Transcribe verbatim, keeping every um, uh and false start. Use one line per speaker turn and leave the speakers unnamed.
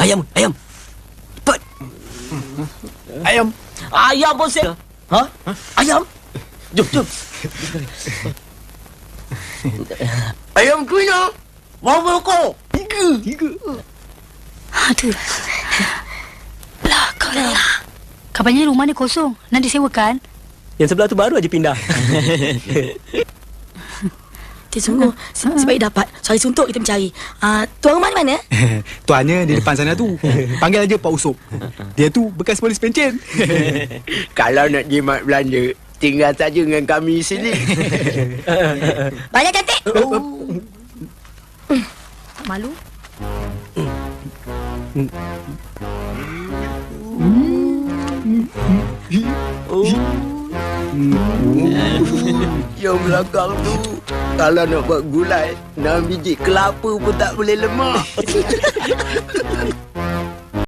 Ayam, ayam. Cepat.
Ayam.
Ayam pun saya. Ha? Ayam. Jom, jom.
Ayam tu ya. Berapa kau?
Tiga. Tiga.
Aduh. Lah, kau lah. Kabarnya rumah ni kosong. Nak disewakan?
Yang sebelah tu baru aja pindah.
Dia sungguh se- Sebaik dapat Sari suntuk kita mencari. uh, Tuan rumah di mana?
Tuannya di depan sana tu. Panggil aja Pak Usop. Dia tu bekas polis pencen.
Kalau nak jimat belanja, tinggal saja dengan kami sini.
Banyak cantik.
Oh. Malu?
Yang belakang tu, kalau nak buat gulai, enam biji kelapa pun tak boleh lemak.